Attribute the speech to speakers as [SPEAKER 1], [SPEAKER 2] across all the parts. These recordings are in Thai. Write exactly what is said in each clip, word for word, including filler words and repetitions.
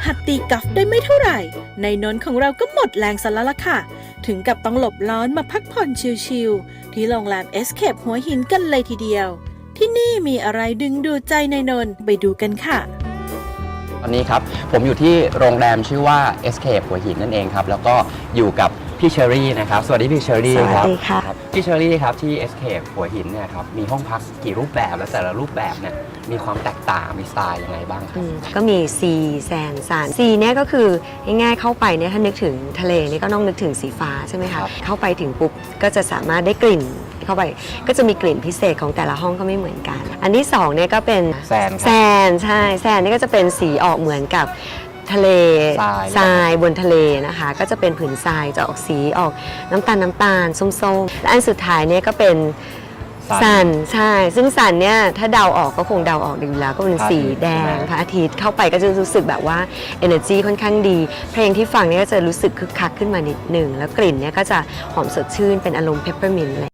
[SPEAKER 1] หัดตีกอล์ฟได้ไม่เท่าไหร่ในนนท์ของเราก็หมดแรงซะแล้วล่ะค่ะถึงกับต้องหลบร้อนมาพักผ่อนชิลๆที่โรงแรม Escape หัวหินกันเลยทีเดียวที่นี่มีอะไรดึงดูดใจในนนท์ไปดูกันค่ะ
[SPEAKER 2] ตอนนี้ครับผมอยู่ที่โรงแรมชื่อว่า Escape หัวหินนั่นเองครับแล้วก็อยู่กับพี่เชอรี่นะครับสวัสดีพี่เชอรี่ครับสวัสดีค่ะพี่เชอรี่ครับที่ Escape หัวหินเนี่ยครับมีห้องพักกี่รูปแบบและแต่ละรูปแบบเนี่ยมีความแตกต่างมีสไตล์ยังไงบ้างครับ
[SPEAKER 3] ก็มีซีแซนซานซีเนี่ยก็คือง่ายๆเข้าไปเนี่ยถ้านึกถึงทะเลนี่ก็ต้องนึกถึงสีฟ้าใช่ไหมคะเข้าไปถึงปุ๊บก็จะสามารถได้กลิ่นเข้าไปก็จะมีกลิ่นพิเศษของแต่ละห้องก็ไม่เหมือนกันอันที่สองเนี่ยก็เป็น
[SPEAKER 2] แซน
[SPEAKER 3] แซนใช่แซนนี่ก็จะเป็นสีออกเหมือนกับทะเลทรายบนทะเลนะคะก็จะเป็นผืนทรายจะออกสีออกน้ำตาลน้ำตาลส้มๆและอันสุดท้ายเนี่ยก็เป็นซันใช่ซึ่งซันเนี่ยถ้าเดาออกก็คงเดาออกดีแล้วก็เป็นสีแดงพระอาทิตย์เข้าไปก็จะรู้สึกแบบว่า energy ค่อนข้างดีเพลงที่ฟังเนี่ยก็จะรู้สึกคึกคักขึ้นมานิดหนึ่งแล้วกลิ่นเนี่ยก็จะหอมสดชื่นเป็นอารมณ์ peppermint เลย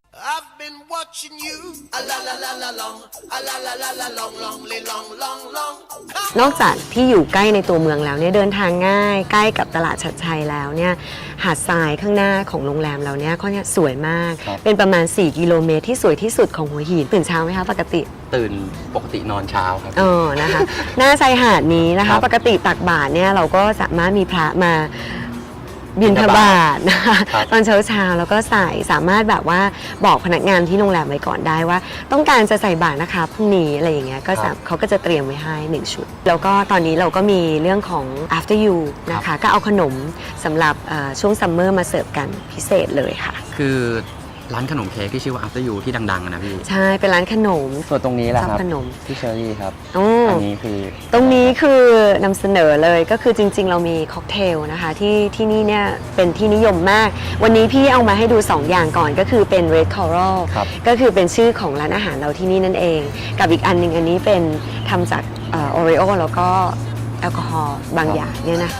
[SPEAKER 3] นอกจากที่อยู่ใกล้ในตัวเมืองแล้วเนี่ยเดินทางง่ายใกล้กับตลาดชัดชัยแล้วเนี่ยหาดทรายข้างหน้าของโรงแรมเราเนี่ยเขาเนี่ยสวยมากเป็นประมาณสี่กิโลเมตรที่สวยที่สุดของหัวหินตื่นเช้าไหมคะปกติ
[SPEAKER 2] ตื่นปกตินอนเช้าครับ
[SPEAKER 3] อ๋อนะคะหน้าชายหาดนี้นะคะปกติตักบาตรเนี่ยเราก็สามารถมีพระมาบิณฑบาตนะคะตอนเช้าเช้าแล้วก็ใส่สามารถแบบว่าบอกพนักงานที่โรงแรมไว้ก่อนได้ว่าต้องการจะใส่บาตรนะคะพรุ่งนี้อะไรอย่างเงี้ยก็เขาก็จะเตรียมไว้ให้หนึ่งชุดแล้วก็ตอนนี้เราก็มีเรื่องของ after you นะคะก็เอาขนมสำหรับช่วงซัมเมอร์มาเสิร์ฟกันพิเศษเลยค่ะ
[SPEAKER 2] คือร้านขนมเค้กที่ชื่อว่า After You ที่ดังๆนะพี่
[SPEAKER 3] ใช่เป็นร้านขนม
[SPEAKER 2] ส่วนตรงนี้แหละครับ
[SPEAKER 3] ขนม
[SPEAKER 2] พี่เชอรี่ครับ
[SPEAKER 3] อั
[SPEAKER 2] นนี้คือ
[SPEAKER 3] ตรงนี้คือนำเสนอเลยก็คือจริงๆเรามีค็อกเทลนะคะที่ที่นี่เนี่ยเป็นที่นิยมมากวันนี้พี่เอามาให้ดูสองอย่างก่อนก็คือเป็น Red Coral ก็คือเป็นชื่อของร้านอาหารเราที่นี่นั่นเองกับอีกอันหนึ่งอันนี้เป็นทำจากโอรีโอแล้วก็แอลกอฮอล์บางอย่างเนี่ยนะ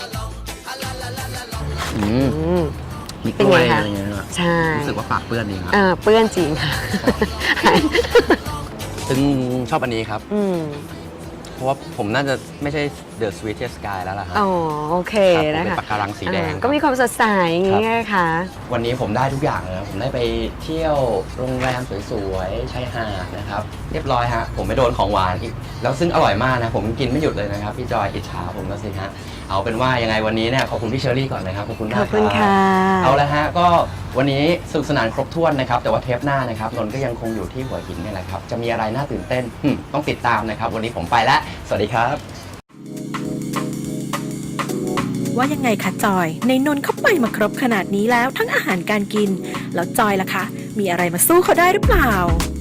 [SPEAKER 2] อืมมีกล้วยอะไรเงี้ยใช่รู้สึกว่าปากเปื้อนดีครับ
[SPEAKER 3] เปื้อนจริงค่ะ
[SPEAKER 2] ซึ่งชอบอันนี้ครับเพราะว่าผมน่าจะไม่ใช่ The Sweetest Sky แล้วล่ะครับ
[SPEAKER 3] อ๋อโอเคนะคะ
[SPEAKER 2] เป็นปากการังสีแดง
[SPEAKER 3] ก็มีความสดใสอย่างนี้ค่ะ
[SPEAKER 2] วันนี้ผมได้ทุกอย่างเลยผมได้ไปเที่ยวโรงแรมสวยๆชายหาดนะครับเรียบร้อยฮะผมไม่โดนของหวานอีกแล้วซึ่งอร่อยมากนะผมกินไม่หยุดเลยนะครับพี่จอยอิจฉาผมแล้วสิฮะเอาเป็นว่ายังไงวันนี้เนี่ยขอบคุณพี่เชอรี่ก่อนนะครับขอบคุณมาก
[SPEAKER 3] ขอบคุณค่ะ
[SPEAKER 2] เอาละฮะก็วันนี้สนุกสนานครบถ้วนนะครับแต่ว่าเทปหน้านะครับนนท์ก็ยังคงอยู่ที่หัวหินนี่แหละครับจะมีอะไรน่าตื่นเต้นต้องติดตามนะครับวันนี้ผมไปแล้วสวัสดีครับ
[SPEAKER 1] ว่ายังไงคะจอยในนนท์เขาไปมาครบขนาดนี้แล้วทั้งอาหารการกินแล้วจอยล่ะคะมีอะไรมาสู้เขาได้หรือเปล่า